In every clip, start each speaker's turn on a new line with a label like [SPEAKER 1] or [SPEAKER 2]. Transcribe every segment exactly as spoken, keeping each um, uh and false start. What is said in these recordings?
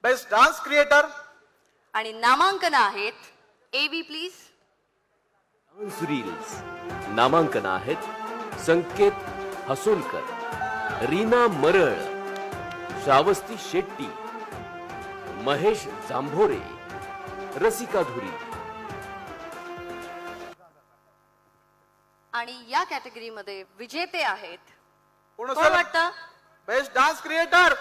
[SPEAKER 1] Best dance creator
[SPEAKER 2] आणि नामांकन आहेत एवी प्लीज.
[SPEAKER 3] डान्स रील्स नामांकन आहेत संकेत हसोलकर, रीना मरळ, श्रावस्ती शेट्टी, महेश जांभोरे, रसिका धुरी.
[SPEAKER 2] आणि या कॅटेगरीमध्ये विजेते आहेत
[SPEAKER 1] कोण
[SPEAKER 2] कोण वाटतं?
[SPEAKER 1] बेस्ट डान्स क्रिएटर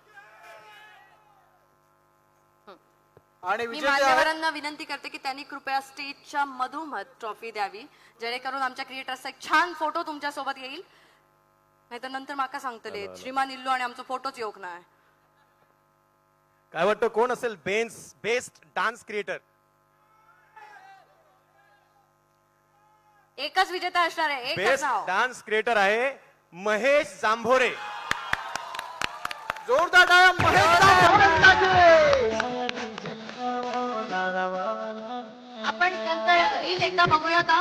[SPEAKER 1] आणि
[SPEAKER 2] मी
[SPEAKER 1] विजेते आहेत
[SPEAKER 2] मान्यवरांना विनंती करते की त्यांनी कृपया स्टेजच्या मधोमध ट्रॉफी द्यावी, जेणेकरून आमच्या क्रिएटर्सचा एक छान फोटो तुमच्या सोबत येईल. नाही तर नंतर माका सांगतले श्रीमान इल्लू आणि आमचा फोटोच योग नाही.
[SPEAKER 4] काय वाटतं कोण असेल बेन्स बेस्ट डान्स क्रिएटर?
[SPEAKER 2] एकच विजेता असणार आहे, एकच
[SPEAKER 4] बेस्ट
[SPEAKER 2] नाव.
[SPEAKER 4] डान्स क्रिएटर आहे महेश जांभोरे.
[SPEAKER 1] जोरदार टाळ्या महेश जांभोरेंसाठी.
[SPEAKER 2] आपण त्यांचं रील एकदा बघूया का?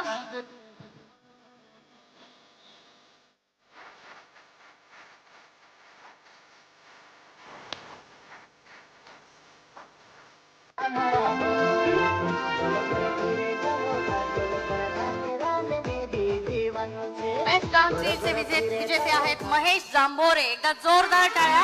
[SPEAKER 2] बेस्ट डान्स रीलचे विजेते विजेते आहेत महेश जांभोरे. एकदा जोरदार टाळ्या.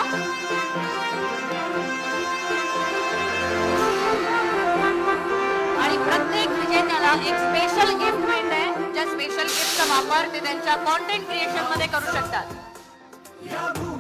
[SPEAKER 2] आणि प्रत्येक विजेत्याला एक स्पेशल गिफ्ट मिळते, ज्या स्पेशल गिफ्टचा वापर ते त्यांच्या कॉन्टेंट क्रिएशन मध्ये करू शकतात.